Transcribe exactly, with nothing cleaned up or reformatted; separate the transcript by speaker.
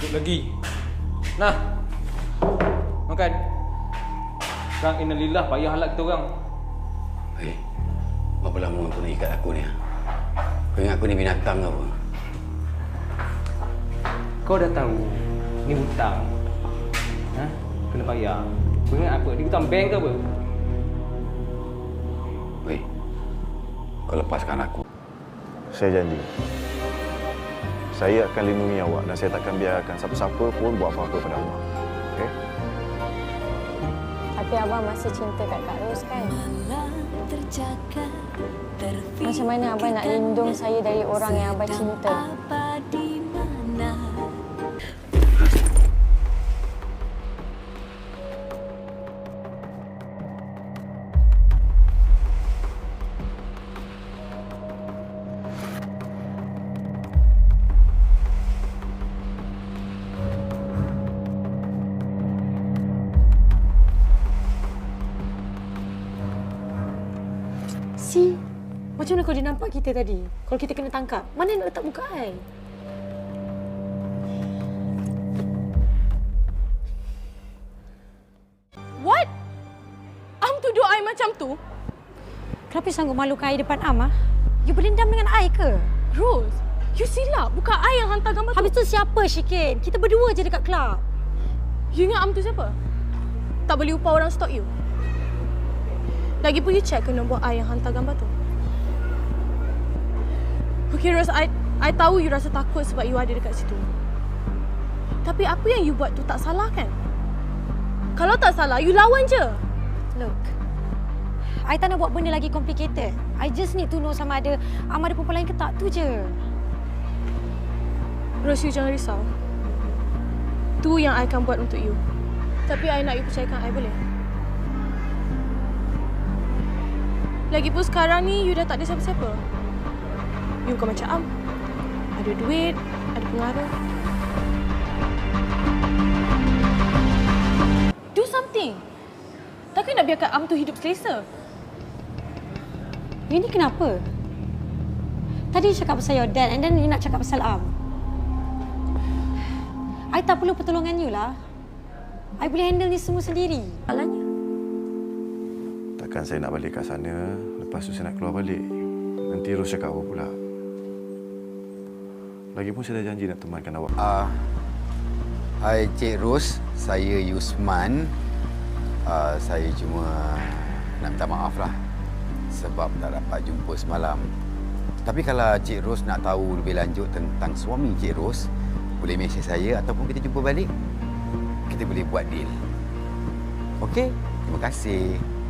Speaker 1: Duduk lagi. Nah. Makan. Sekarang innalillah payah halak kita orang.
Speaker 2: Hei, berapa lama kau nak ikat aku ni? Kau ingat aku ni binatang ke apa?
Speaker 1: Kau dah tahu ni hutang. Ha? Kena bayar. Kau ingat apa? Dia hutang bank ke apa?
Speaker 2: Hei, kau lepaskan aku.
Speaker 3: Saya janji. Saya akan lindungi awak dan saya takkan biarkan siapa-siapa pun buat apa-apa pada awak. Okey?
Speaker 4: Tapi Abang masih cinta kat Kak Ros kan? Macam mana Abang nak lindung saya dari orang yang Abang cinta?
Speaker 5: Si, macam mana kalau dia nampak kita tadi? Kalau kita kena tangkap, mana nak letak muka I?
Speaker 6: What? Am tuduh I macam tu?
Speaker 5: Kenapa sanggup malukan I depan Am? Ah? You berendam dengan I ke?
Speaker 6: Rose, you silap. Bukan I yang hantar gambar tu.
Speaker 5: Habis tu siapa, Syikin? Kita berdua je dekat kelab.
Speaker 6: You ingat Am tu siapa? Tak boleh upah orang stalk you? Lagipun you check ke nombor I yang hantar gambar tu? Okay Rose, I, I tahu you rasa takut sebab you ada dekat situ. Tapi apa yang you buat tu tak salah kan? Kalau tak salah, you lawan je.
Speaker 5: Look, I tak nak buat benda lagi complicated. I just need to know sama ada Am ada perempuan lain ke tak, tu je.
Speaker 6: Rose, you jangan risau. Tu yang I akan buat untuk you. Tapi I nak you percayakan I, boleh? Lagipun sekarang ni, you dah tak ada siapa-siapa. You bukan macam Am. Ada duit, ada pengaruh. Do something. Takkan nak biarkan Am tu hidup selesa?
Speaker 5: You ni kenapa? Tadi you cakap pasal your dad and then you nak cakap pasal Am. I tak perlu pertolongan you lah. I boleh handle ni semua sendiri. Alahnya.
Speaker 3: Takkan saya nak balik kat sana, lepas tu saya nak keluar balik. Nanti Ros cakap apa pula. Lagipun saya dah janji nak temankan awak.
Speaker 2: Ah, uh, hai Cik Ros, saya Yusman. Uh, saya cuma nak minta maaf lah sebab tak dapat jumpa semalam. Tapi kalau Cik Ros nak tahu lebih lanjut tentang suami Cik Ros, boleh mesej saya ataupun kita jumpa balik. Kita boleh buat deal. Okey? Terima kasih.